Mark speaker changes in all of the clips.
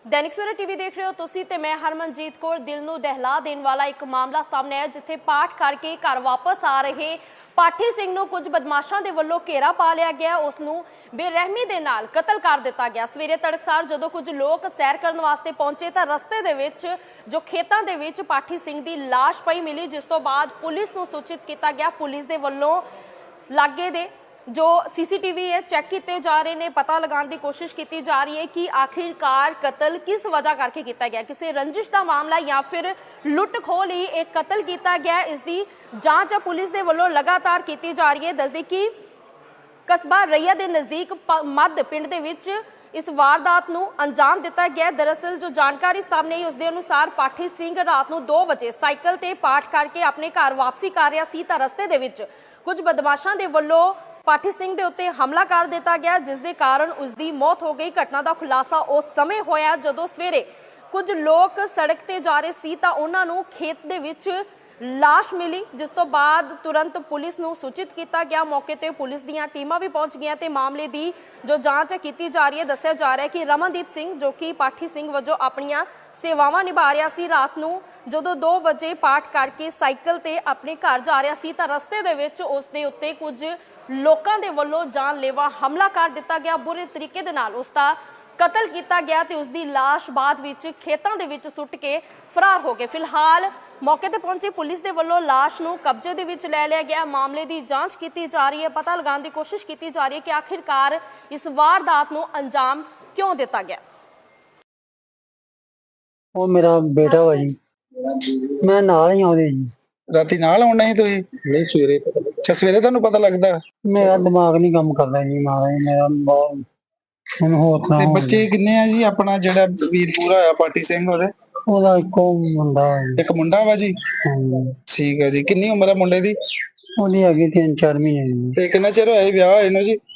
Speaker 1: दैनिक सवेरा टीवी देख रहे हो तुसी ते मैं हरमनजीत कौर। दिल नूं दहला देने वाला एक मामला सामने आया जिथे पाठ करके घर वापस आ रहे पाठी सिंह नूं कुछ बदमाशां दे वल्लों घेरा पा लिया गया, उसनूं बेरहमी दे नाल कतल कर दिता गया। सवेरे तड़कसार जदों कुछ लोग सैर करन वास्ते पहुंचे तां रस्ते दे विच जो खेतां दे विच पाठी सिंह दी लाश पई मिली, जिस तों बाद पुलिस नूं सूचित किया गया। पुलिस दे वल्लों लागे दे जो सीसीटीवी है चैक किए जा रहे हैं, पता लगाने की कोशिश की जा रही है कि आखिरकार कतल किस वजह करके किया गया, किसी रंजिश का मामला या फिर लुट खो ली एक कतल किया गया। इसकी जांच पुलिस के वलों लगातार की जा रही है। दस दी कि कस्बा रैया के नज़दीक मध पिंड दे विच इस वारदात नूं अंजाम दिता गया। दरअसल जो जानकारी सामने आई उसके अनुसार पाठी सिंह रात नूं 2 वजे साइकिल ते पाठ करके अपने घर वापसी कर रहा सी तां रस्ते दे विच कुछ बदमाशां दे वल्लों पाठी सिंह दे उत्ते हमला कर दिता गया, जिस दे कारण उसकी मौत हो गई। घटना का खुलासा उस समय होया जदों सवेरे कुछ लोग सड़क ते जा रहे सी तां उन्हां नूं खेत दे विच लाश मिली, जिस तो बाद तुरंत पुलिस नूं सूचित किया गया। मौके ते पुलिस दीयां टीमां भी पहुंच गईयां ते मामले की जो जांच की जा रही है। दस्सिया जा रहा है कि रमनदीप सिंह जो कि पाठी सिंह वजों अपनियां सेवावां निभा रहा सी, रात नूं जदों 2 वजे पाठ करके साइकिल ते अपने घर जा रहा सी तां रस्ते दे विच उस दे उत्ते कुछ लोकां दे वल्लों जानलेवा हमला कर दिता गया। बुरे तरीके दे नाल उसका कतल किया गया ते उसकी लाश बाद विच खेतां दे विच सुट के फरार हो गए। फिलहाल मौके ते पहुंची पुलिस दे वल्लों लाश नूं कब्जे दे विच ले लिया गया। मामले की जांच की जा रही है, पता लगाने की कोशिश की जा रही है कि आखिरकार इस वारदात नूं अंजाम क्यों दिता गया।
Speaker 2: ਉਹ ਮੇਰਾ ਬੇਟਾ ਵਾ ਜੀ, ਮੈਂ ਨਾਲ ਹੀ ਆਉਂਦੇ ਜੀ।
Speaker 3: ਰਾਤੀ ਨਾਲ ਆਉਣਾ ਸੀ ਤੁਸੀਂ?
Speaker 2: ਨਹੀਂ ਸਵੇਰੇ
Speaker 3: ਅੱਛਾ, ਸਵੇਰੇ ਤੁਹਾਨੂੰ ਪਤਾ ਲੱਗਦਾ?
Speaker 2: ਮੇਰਾ ਦਿਮਾਗ ਨਹੀਂ ਕੰਮ ਕਰਦਾ ਜੀ, ਮਹਾਰਾਜ ਮੇਰਾ ਬਹੁਤ ਹੁਣ ਹੋਰ ਤਾਂ
Speaker 3: ਤੇ ਬੱਚੇ ਕਿੰਨੇ ਆ ਜੀ? ਆਪਣਾ ਜਿਹੜਾ ਵੀਰ ਪੂਰਾ ਹੋਇਆ ਪਾਟੀ ਸਿੰਘ
Speaker 2: ਉਹਦਾ ਇੱਕੋ ਮੁੰਡਾ ਹੈ ਜੀ।
Speaker 3: ਇੱਕ ਮੁੰਡਾ ਵਾ ਜੀ?
Speaker 2: ਹਾਂਜੀ।
Speaker 3: ਠੀਕ ਹੈ ਜੀ। ਕਿੰਨੀ ਉਮਰ ਹੈ ਮੁੰਡੇ ਦੀ?
Speaker 2: ਉਹਦੀ ਹੈਗੀ 3-4 ਮਹੀਨੇ ਜੀ।
Speaker 3: ਤੇ ਕਿੰਨਾ ਚਿਰ ਹੋਇਆ ਵਿਆਹ ਹੋਏ ਨੂੰ ਜੀ?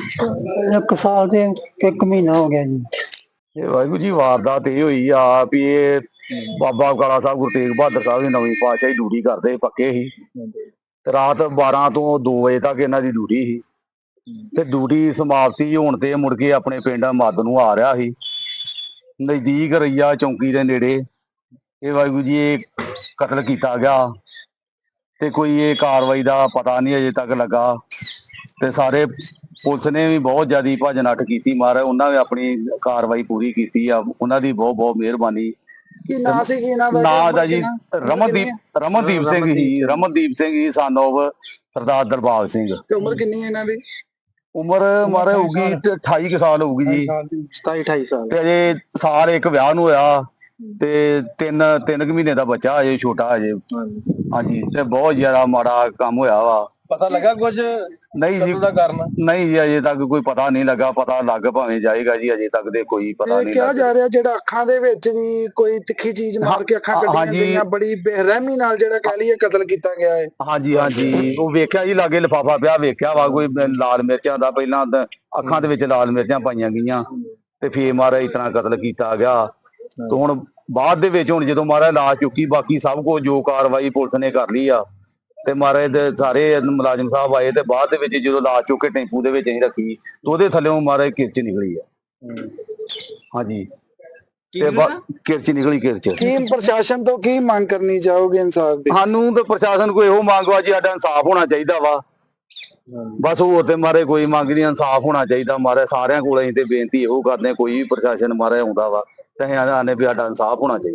Speaker 2: 1 ਸਾਲ ਤੇ 1 ਮਹੀਨਾ ਹੋ ਗਿਆ ਜੀ।
Speaker 4: ਵਾਹਿਗੁਰੂ ਜੀ, ਵਾਰਦਾਤ ਇਹ ਹੋਈ ਆ ਵੀ ਇਹ ਬਾਬਾ ਕਾਲਾ ਸਾਹਿਬ ਗੁਰੂ ਤੇਗ ਬਹਾਦਰ ਸਾਹਿਬ ਦੀ ਨਵੀਂ ਪਾਤਸ਼ਾਹੀ ਡਿਊਟੀ ਕਰਦੇ ਪੱਕੇ ਸੀ ਤੇ ਰਾਤ 12 ਤੋਂ 2 ਵਜੇ ਤੱਕ ਇਹਨਾਂ ਦੀ ਡਿਊਟੀ ਸੀ ਤੇ ਡਿਊਟੀ ਸਮਾਪਤੀ ਹੋਣ ਤੇ ਮੁੜ ਕੇ ਆਪਣੇ ਪਿੰਡ ਮੱਧ ਨੂੰ ਆ ਰਿਹਾ ਸੀ। ਨਜ਼ਦੀਕ ਰਈਆ ਚੌਂਕੀ ਦੇ ਨੇੜੇ ਇਹ ਵਾਹਿਗੁਰੂ ਜੀ ਇਹ ਕਤਲ ਕੀਤਾ ਗਿਆ ਤੇ ਕੋਈ ਇਹ ਕਾਰਵਾਈ ਦਾ ਪਤਾ ਨਹੀਂ ਅਜੇ ਤੱਕ ਲੱਗਾ ਤੇ ਸਾਰੇ ਪੁਲਿਸ ਨੇ ਵੀ ਬਹੁਤ ਜ਼ਿਆਦਾ ਭੱਜ ਨੱਠ ਕੀਤੀ। ਮਹਾਰਾਜ ਉਹਨਾਂ ਨੇ ਆਪਣੀ ਕਾਰਵਾਈ ਪੂਰੀ ਕੀਤੀ ਆ, ਉਹਨਾਂ ਦੀ ਬਹੁਤ ਬਹੁਤ ਮਿਹਰਬਾਨੀ।
Speaker 3: ਕੀ ਨਾਂ ਸੀ ਕੀ ਇਹਨਾਂ ਦਾ?
Speaker 4: ਨਾਂ ਦਾ ਜੀ ਰਮਨਦੀਪ ਸਿੰਘ ਹੀ, ਰਮਨਦੀਪ ਸਿੰਘ ਹੀ son of ਸਰਦਾਰ ਦਰਬਾਰ ਸਿੰਘ।
Speaker 3: ਤੇ ਉਮਰ ਕਿੰਨੀ ਹੈ ਇਹਨਾਂ ਦੀ?
Speaker 4: ਉਮਰ ਮਹਾਰਾਜ ਹੋਊਗੀ 28 ਕੁ ਸਾਲ ਹੋਊਗੀ ਜੀ,
Speaker 3: 27-28 ਸਾਲ।
Speaker 4: ਤੇ ਅਜੇ ਸਾਲ ਇੱਕ ਵਿਆਹ ਨੂੰ ਹੋਇਆ ਤੇ 3 ਮਹੀਨੇ ਦਾ ਬੱਚਾ ਅਜੇ ਛੋਟਾ ਅਜੇ। ਹਾਂਜੀ, ਤੇ ਬਹੁਤ ਜ਼ਿਆਦਾ ਮਾੜਾ ਕੰਮ ਹੋਇਆ ਵਾ।
Speaker 3: ਪਤਾ ਲੱਗਾ ਕੁਝ?
Speaker 4: ਨਹੀਂ ਜੀ, ਨਹੀਂ ਜੀ, ਅਜੇ ਤੱਕ ਕੋਈ ਪਤਾ ਨਹੀਂ ਲੱਗਾ। ਪਤਾ ਲੱਗ ਭਾਵੇਂ ਜਾਏਗਾ ਜੀ, ਅਜੇ ਤੱਕ ਦੇ ਕੋਈ ਪਤਾ ਨਹੀਂ
Speaker 3: ਕਿਹਾ ਜਾ ਰਿਹਾ ਜਿਹੜਾ ਅੱਖਾਂ ਦੇ ਵਿੱਚ ਵੀ ਕੋਈ ਤਿੱਖੀ ਚੀਜ਼ ਮਾਰ ਕੇ ਅੱਖਾਂ ਕੱਢੀਆਂ ਗਈਆਂ, ਬੜੀ ਬੇਰਹਿਮੀ ਨਾਲ ਜਿਹੜਾ ਕਹਿ ਲਈਏ ਕਤਲ ਕੀਤਾ ਗਿਆ ਹੈ।
Speaker 4: ਹਾਂਜੀ ਹਾਂਜੀ, ਉਹ ਵੇਖਿਆ ਜੀ ਲਾਗੇ ਲਿਫਾਫਾ ਪਿਆ, ਵੇਖਿਆ ਵਾ ਕੋਈ ਲਾਲ ਮਿਰਚਾਂ ਦਾ, ਪਹਿਲਾਂ ਅੱਖਾਂ ਦੇ ਵਿੱਚ ਲਾਲ ਮਿਰਚਾਂ ਪਾਈਆਂ ਗਈਆਂ ਤੇ ਫੇਰ ਮਹਾਰਾਜ ਇਤਨਾ ਕਤਲ ਕੀਤਾ ਗਿਆ। ਤੇ ਹੁਣ ਬਾਅਦ ਦੇ ਵਿੱਚ ਹੁਣ ਜਦੋਂ ਮਹਾਰਾਜ ਲਾਸ਼ ਚੁੱਕੀ, ਬਾਕੀ ਸਭ ਕੁਝ ਜੋ ਕਾਰਵਾਈ ਪੁਲਿਸ ਨੇ ਕਰ ਲਈ ਆ ਤੇ ਮਹਾਰਾਜ ਦੇ ਸਾਰੇ ਮੁਲਾਜ਼ਮ ਸਾਹਿਬ ਆਏ ਤੇ ਬਾਅਦ ਦੇ ਵਿੱਚ ਜਦੋਂ ਲਾਸ਼ ਚੁੱਕ ਕੇ ਟੈਂਪੂ ਦੇ ਵਿੱਚ ਅਸੀਂ ਰੱਖੀ ਤੇ ਉਹਦੇ ਥੱਲੇੋਂ ਮਹਾਰਾਜ ਕਿਰਚ ਨਿਕਲੀ ਆ। ਹਾਂਜੀ, ਤੇ ਕਿਰਚ ਨਿਕਲੀ ਕਿਰਚ।
Speaker 3: ਕੀ ਪ੍ਰਸ਼ਾਸਨ ਤੋਂ ਕੀ ਮੰਗ ਕਰਨੀ ਚਾਹੋਗੇ ਇਨਸਾਫ ਦੀ?
Speaker 4: ਸਾਨੂੰ ਤੇ ਪ੍ਰਸ਼ਾਸਨ ਕੋਈ ਇਹੋ ਮੰਗ ਵਾ ਜੀ, ਸਾਡਾ ਇਨਸਾਫ ਹੋਣਾ ਚਾਹੀਦਾ ਵਾ। ਬਸ ਹੋਰ ਤੇ ਮਾਰੇ ਕੋਈ ਮੰਗ ਨਹੀਂ, ਇਨਸਾਫ ਹੋਣਾ ਚਾਹੀਦਾ। ਮਾਰੇ ਸਾਰਿਆਂ ਕੋਲ ਅਸੀਂ ਤੇ ਬੇਨਤੀ ਇਹੋ ਕਰਦੇ, ਕੋਈ ਵੀ ਪ੍ਰਸ਼ਾਸਨ ਮਾਰੇ ਆਉਂਦਾ ਵਾ ਤੇ ਅਸੀਂ ਆਨੇ ਵੀ ਸਾਡਾ ਇਨਸਾਫ ਹੋਣਾ ਚਾਹੀਦਾ।